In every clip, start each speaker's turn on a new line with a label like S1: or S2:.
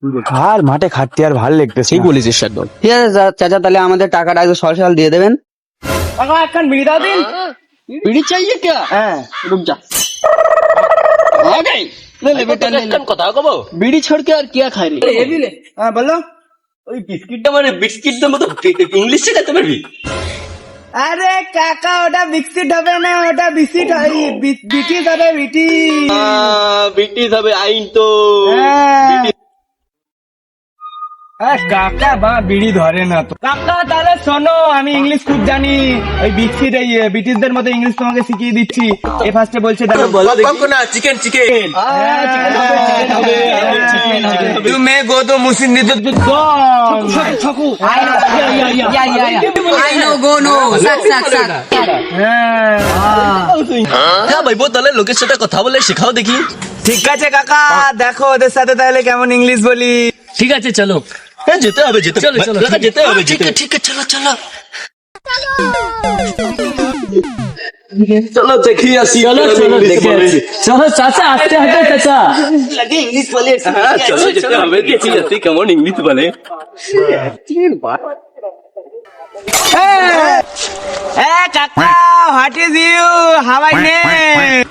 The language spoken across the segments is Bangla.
S1: আর মাঠে খাটতে আর ভালো লাগতেছে।
S2: ঠিক বলেছিস একদম।
S3: ঠিক আছে চাচা, তাহলে আমাদের টাকাটা একটু সরাসরি দিয়ে দেবেন।
S1: একখান বিড়ি দাও দিন।
S3: बीड़ी चाहिए क्या?
S1: হ্যাঁ
S3: रुक जा, आ गई। ले ले बेटा, ले ले।
S2: কথা কব
S3: बीड़ी छोड़ के और क्या खाए रे? ये भी ले।
S1: হ্যাঁ বলো।
S2: ওই বিস্কিটটা মানে বিস্কিটটার মতো ইংলিশ শেখাতে পারবি?
S1: আরে কাকা ওটা বিস্কিট হবে না, ওটা বিস্কিট বিটিস হবে বিটি।
S2: ব্রিটিশ হবে আইন তো।
S1: কাকা বা বিড়ি ধরে না তো। কাকা তাহলে শোনো, আমি ইংলিশ খুব জানি। ওই বিস্কিট এই ব্রিটিশদের মতো ইংলিশ তোমাকে শিখিয়ে দিচ্ছি। এ ফার্স্টে বলছে দেখো,
S2: বলো দেখি না। চিকেন চিকেন
S1: তুমি গোদো মুসিন দিতে ছকু।
S3: I know, go no. Sak, sak, sak.
S2: হ্যাঁ ভাই, তাহলে লোকের সাথে কথা বলে শেখাও দেখি।
S1: ঠিক আছে কাকা, দেখো ওদের সাথে তাহলে কেমন ইংলিশ বলি।
S2: ঠিক আছে চলো। হ্যাঁ যেতে হবে, যেতে চলো চলো যেতে হবে। ঠিক আছে ঠিক আছে, চলো চলো চলো দেখি আসি। চলো চলো দেখি আসি।
S4: চলো চাচা, আস্তে আস্তে চাচা।
S2: লাগে ইংলিশ বলে। হ্যাঁ চলো যেতে হবে, দেখি আসি কেমন ইংলিশ বলে।
S1: কাকা, what is you, how I name?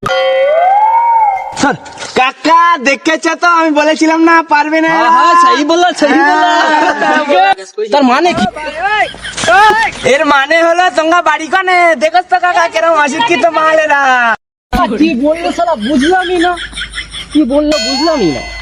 S1: কাকা দেখেছো তো, আমি বলেছিলাম না পারবে না।
S3: हाँ, सही बोला, सही बोला। তার মানে কি?
S1: এর মানে হলো তোমরা বাড়ি কানে দেখো তো কাকা কেরম অশিক্ষিত মালেরা।
S3: কি বললো শালা, বুঝলামই না। কি বললো বুঝলামই না।